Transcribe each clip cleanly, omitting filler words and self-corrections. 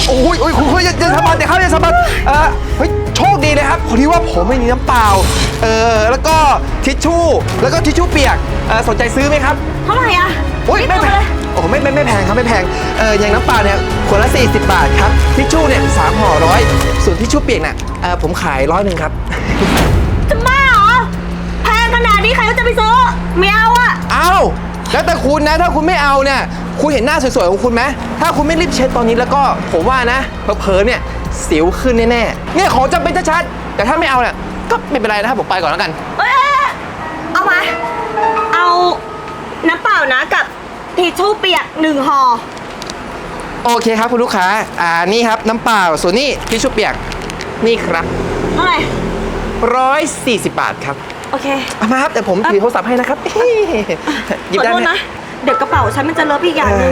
โอ้ยคุณอย่าสะบัดเดี๋ยวครับอย่าสะบัดเฮ้ยโชคดีเลยครับพอดีว่าผมไม่มีน้ำเปล่าแล้วก็ทิชชู่แล้วก็ทิชชู่เปียกสนใจซื้อไหมครับเท่าไหร่อ่ะโอ้ยไม่แพงโอ้ไม่แพงครับไม่แพงอย่างน้ำเปล่าเนี่ยขวดละ40 บาทครับทิชชู่เนี่ย3 ห่อ100ส่วนทิชชู่เปียกน่ะผมขาย100ครับจะบ้าเหรอแพงขนาดนี้ใครก็จะไปซื้อไม่เอาอ่ะเอาแล้วแต่คุณนะถ้าคุณไม่เอาเนี่ยคุณเห็นหน้าสวยๆของคุณไหมถ้าคุณไม่รีบเช็ดตอนนี้แล้วก็ผมว่านะเผลอๆเนี่ยสิวขึ้นแน่ๆเนี่ยของจำเป็นชัดๆแต่ถ้าไม่เอาเนี่ยก็ไม่เป็นไรนะครับผมไปก่อนแล้วกันเอามาเอาน้ำเปล่านะกับทิชชู่เปียก1 ห่อโอเคครับคุณลูกค้านี่ครับน้ำเปล่าส่วนนี้ทิชชู่เปียกนี่ครับเท่าไหร่ 140 บาทครับโอเคเอามาครับแต่ผมถือโทรศัพท์ให้นะครับหยิบได้ไหมนะเดี๋ยวกระเป๋าฉันมันจะเลอะอีกอย่างนึง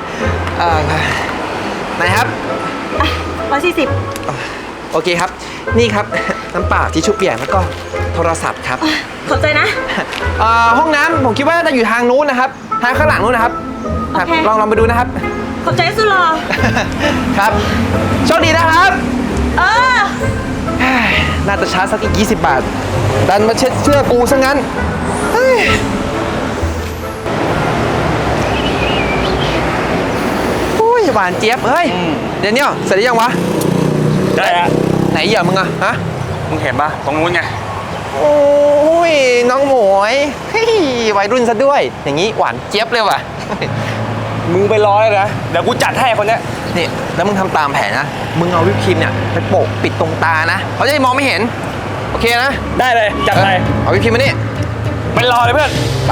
ไหนครับ 140 โอเคครับนี่ครับน้ำเปล่าทิชชู่เปียกแล้วก็โทรศัพท์ครับขอบใจนะห้องน้ำผมคิดว่าจะอยู่ทางนู้นนะครับทางข้างหลังนู้นนะครับลองไปดูนะครับขอบใจสุดหล่อครับโชคดีนะครับน่าจะช้าสักอีก20 บาทดันมาเช็ดเสื้อกูซะงั้นหวานเจี๊ยบเฮ้ยเดี๋ยวนี้เสร็จหรือยังวะได้แล้วไหนเหยื่อมึงอะฮะมึงเห็นปะตรงนู้นไงโอ้ยน้องหมวยวัยรุ่นซะด้วยอย่างนี้หวานเจี๊ยบเลยว่ะมึงไปรอเลยนะเดี๋ยวกูจัดให้คนเนี้ยนี่แล้วมึงทำตามแผนนะมึงเอาวิปครีมเนี่ยไปโปะปิดตรงตานะเขาจะได้มองไม่เห็นโอเคนะได้เลยจัดไปเอาวิปครีมมานี่ไปรอเลยเพื่อนไป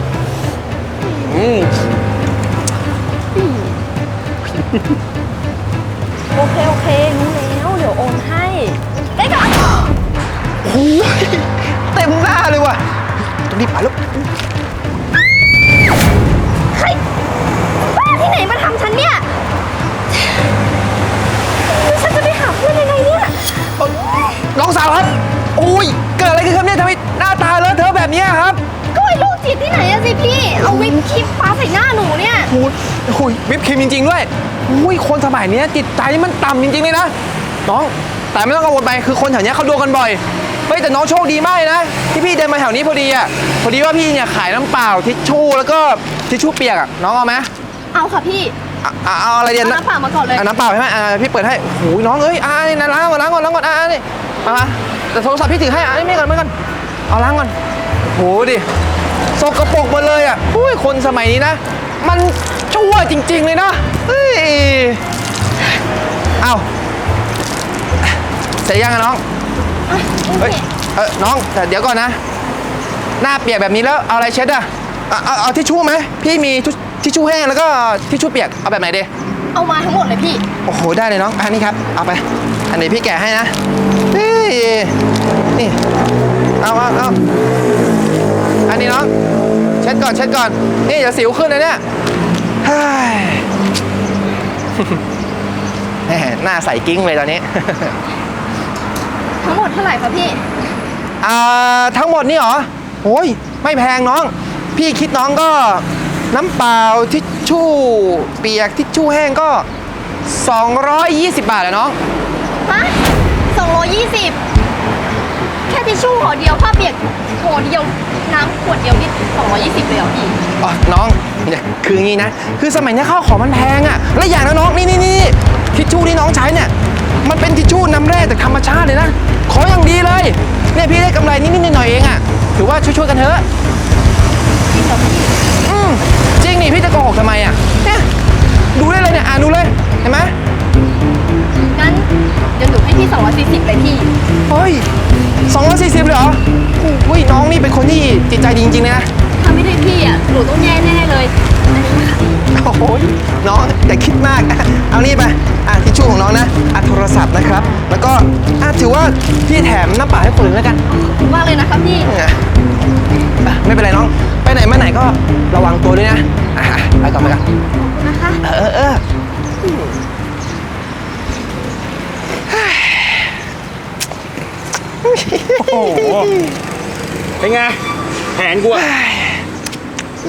โอเครู้แล้วเดี๋ยวโอนให้ได้ก่อนโอ้ยเต็มหน้าเลยว่ะต้องรีบไปลูกเฮ้ยบ้าที่ไหนมาทำฉันเนี่ยฉันจะไปหาเพื่อนยังไงเนี่ยน้องสาวครับโอ้ยเกิดอะไรขึ้นครับเนี่ยทำไมหน้าตาเลอะเทอะแบบนี้ครับก็ไอ้ลูกจิตที่ไหนอะสิพี่เอาวิปครีมปาใส่หน้าหนูเนี่ยโอ้ยวิปครีมจริงๆด้วยอุ้ยคนสมัยนี้จิตใจมันต่ำจริงๆเลยนะน้องแต่ไม่ต้องกังวลไปคือคนแถวนี้เขาโดนกันบ่อยเฮ้ยแต่น้องโชคดีมากเลยนะที่พี่เดินมาแถวนี้พอดีว่าพี่เนี่ยขายน้ำเปล่าทิชชู่แล้วก็ทิชชู่เปียกอะน้องเอาไหมเอาค่ะพี่เอาอะไรเดียวน้ำเปล่ามาก่อนเลยน้ำเปล่าใช่ไหมพี่เปิดให้โอ้ยน้องเอ้ยนี่นะล้างก่อนนี่มาแต่โทรศัพท์พี่ถือให้ไม่ก่อนเอาล้างก่อนโหดิสกปรกหมดเลยอ่ะอุ้ยคนสมัยนี้นะมันชั่วจริงๆเลยนะเฮ้ยเอาเสร็จยังอะน้องเฮ้ยน้องแต่เดี๋ยวก่อนนะหน้าเปียกแบบนี้แล้วเอาอะไรเช็ดอะเอาทิชชู่ไหมพี่มีทิชชู่แห้งแล้วก็ทิชชู่เปียกเอาแบบไหนดีเอามาทั้งหมดเลยพี่โอ้โหได้เลยน้องอันนี้ครับเอาไปอันนี้พี่แกะให้นะนี่เอาอันนี้น้องเช็ดก่อนนี่อย่าสิวขึ้นนะเนี่ยหน้าใสกิ้งเลยตอนนี้ทั้งหมดเท่าไหร่คะพี่ทั้งหมดนี่เหรอโอ้ยไม่แพงน้องพี่คิดน้องก็น้ำเปล่าทิชชู่เปียกทิชชู่แห้งก็220 บาทอะน้องฮะ220แค่ทิชชู่ห่อเดียวผ้าเปียกห่อเดียวน้ำขวดเดียวนี่220เลยเหรอพี่น้องเนี่ยคืองี้นะคือสมัยนี้ข้าวของมันแพงอะและอย่างนะน้องนี่ทิชชู่ที่น้องใช้เนี่ยมันเป็นทิชชู่น้ำแร่จากธรรมชาติเลยนะขออย่างดีเลยเนี่ยพี่ได้กำไรนิดหน่อยเองอะถือว่าช่วยกันเถอะจริงเหรอพี่จริงนี่พี่จะโกหกทำไมอะเนี่ยดูได้เลยเนี่ยดูเลยเห็นไหมงั้นเดี๋ยวหนูให้พี่240เลยพี่เฮ้ย240เลยเหรออุ้ยน้องนี่เป็นคนที่จิตใจดีจริงๆเลยนะถ้าไม่ได้พี่อะหนูต้องแย่แน่เลยโอ้โหน้องอย่าคิดมากเอานี่ไปทิชชู่ของน้องนะโทรศัพท์นะครับแล้วก็ถือว่าพี่แถมน้ำเปล่าให้คนอื่นแล้วกันขอบคุณมากเลยนะครับพี่ไม่เป็นไรน้องไปไหนมาไหนก็ระวังตัวด้วยนะไปก่อนขอบคุณนะคะโอ้โหเป็นไงแผนกู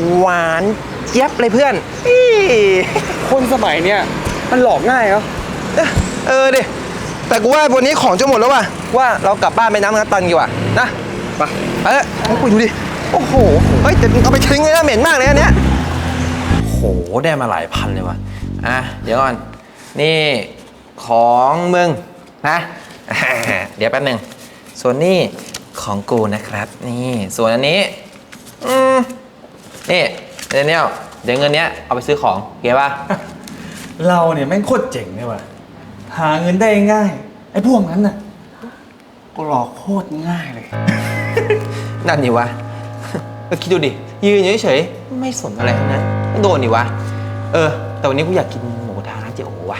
หวานเจี๊ยบเลยเพื่อนคนสมัยเนี้ยมันหลอกง่ายเหรอดิแต่กูว่าวันนี้ของจะหมดแล้วว่ะว่าเรากลับบ้านไปน้ำกระตันดีกว่านะไปกูดูดิโอ้โหเฮ้ยแต่เอาไปทิ้งเลยนะเหม็นมากเลยอันเนี้ยโหได้มาหลายพันเลยว่ะเดี๋ยวก่อนนี่ของมึงนะ เดี๋ยวแป๊บหนึ่งส่วนนี้ของกูนะครับนี่ส่วนอันนี้นี่เดี๋ยวเงินเนี้ยเอาไปซื้อของเก็บป่ะเราเนี่ยแม่งโคตรเจ๋งเลยว่ะหาเงินได้ง่ายไอ้พวกนั้นน่ะก็หลอกโคตรง่ายเลยนั่นนี่วะ ก็คิดดูดิยืนเฉยๆไม่สนอะไรทั้งนั้นก็โดนนี่วะแต่วันนี้กูอยากกินหมูกระทะร้านเจ๊โอวะ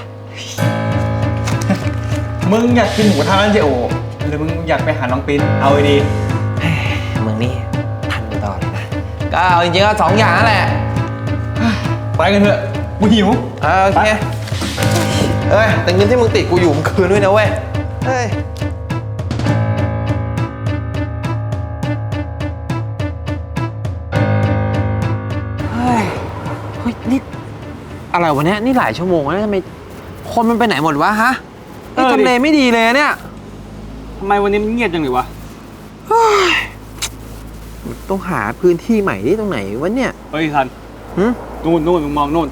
มึงอยากกินหมูกระทะร้านเจโอหรือมึงอยากไปหาน้องปิ้นเอาไอ้ดีมึงนี่ทันตลอดเลยนะก็เอาจริงๆก็2 อย่างนั่นแหละไปกันเถอะกูหิวโอเคแต่เงินที่มึงติดกูอยู่มึงคืนด้วยนะเว้ยเฮ้ยนี่อะไรวะเนี่ยนี่หลายชั่วโมงแล้วทำไมคนมันไปไหนหมดวะฮะนี่ทำเลไม่ดีเลยเนี่ยทำไมวันนี้มันเงียบจังเลยวะต้องหาพื้นที่ใหม่ที่ตรงไหนวะเนี่ยเฮ้ยทันนู่นมึงมองนู่น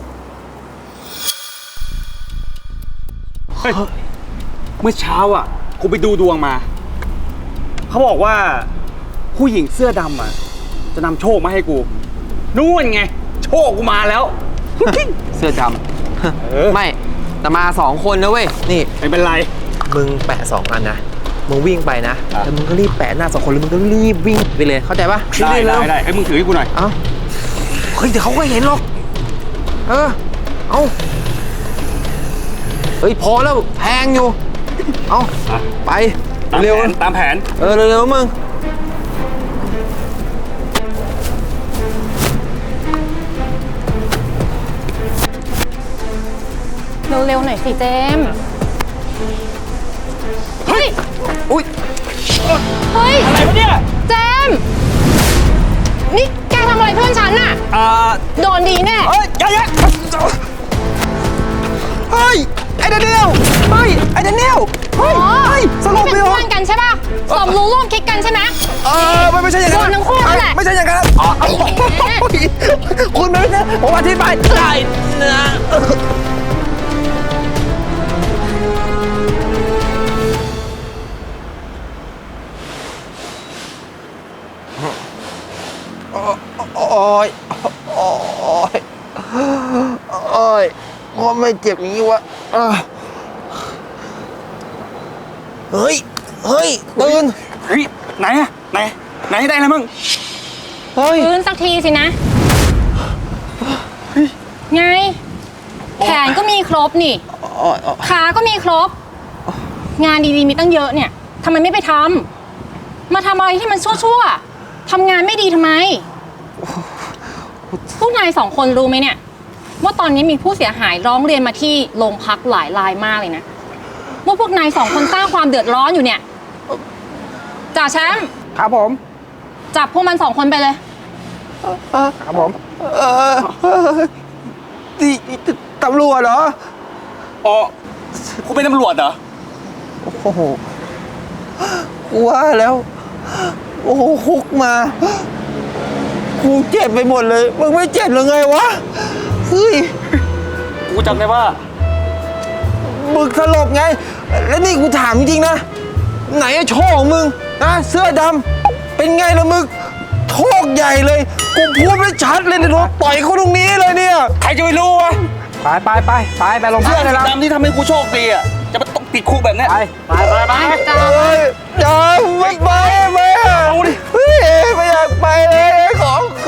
เฮ้ยเมื่อเช้าอ่ะกูไปดูดวงมาเขาบอกว่าผู้หญิงเสื้อดำอ่ะจะนำโชคมาให้กูนู่นไงโชคกูมาแล้วเสื้อดำ ไม่แต่มา2 คนนะเว้ยนี่ไม่เป็นไรมึงแปะ2 อันนะมึงวิ่งไปนะแล้วมึงก็รีบแปะหน้า2 คนแล้วมึงก็รีบวิ่งไปเลยเข้าใจปะได้ไอ้มึงถือให้กูหน่อยเอ้าเฮ้ยเดี๋ยวเขาก็เห็นหรอกเอาเฮ้ยพอแล้วแพงอยู่เอาไปเร็วตามแผนเร็วๆมึงเร็วๆหน่อยสิเจมส์เฮ้ยอุ้ยเฮ้ยอะไรวะเนี่ยเจมส์นี่แกทำอะไรเพื่อนฉันน่ะโดนดีแน่เฮ้ยอย่าเฮ้ยไอ้เดนิเอลเฮ้ยไอ้เดนิเอลเฮ้ยสลบเป็นไปเหรอเพื่อนกันใช่ป่ะสมรู้ร่วมคิดกันใช่ไหมไม่ใช่อย่างนั้นโดนทั้งคู่นั่นแหละไม่ใช่อย่างนั้นคุณไม่ใช่ผมอธิบายได้นะโอ้ยก็ไม่เจ็บอย่างนี้วะเฮ้ยตื่นเฮ้ยไหนได้แล้วมึงเฮ้ยฟื้นสักทีสินะ ไง แขนก็มีครบนี่ ขาก็มีครบ งานดีๆมีตั้งเยอะเนี่ยทำไมไม่ไปทำมาทำอะไรที่มันชั่วๆทำงานไม่ดีทำไม พวกนาย2 คนรู้ไหมเนี่ย ว่าตอนนี้มีผู้เสียหายร้องเรียนมาที่โรงพักหลายรายมากเลยนะว่าพวกนาย2 คนสร้างความเดือดร้อนอยู่เนี่ยจ่าแชมป์ครับผมจับพวกมัน2 คนไปเลยครับผมตำรวจเหรออ๋อกูเป็นตำรวจเหรอโอ้โหว่าแล้วโอ้โหคุกมากูเจ็บไปหมดเลยมึงไม่เจ็บหรือไงวะเฮ้ยกูจำได้ว่ามึงสลบไงแล้วนี่กูถามจริงๆนะไหนไอ้โชคของมึงนะเสื้อดำเป็นไงล่ะมึงโชคใหญ่เลยกูพูดไม่ชัดเลยเนี่ยโดนต่อยเขาตรงนี้เลยเนี่ยใครจะไปรู้วะไปลงเพื่อนเลยนะดำที่ทำให้กูโชคดีอ่ะจะมาต้องติดคุกแบบเนี้ยไปจ้าเฮ้ยอย่าไม่ไปเอาดิเฮ้ยไม่อยากไปเลยของ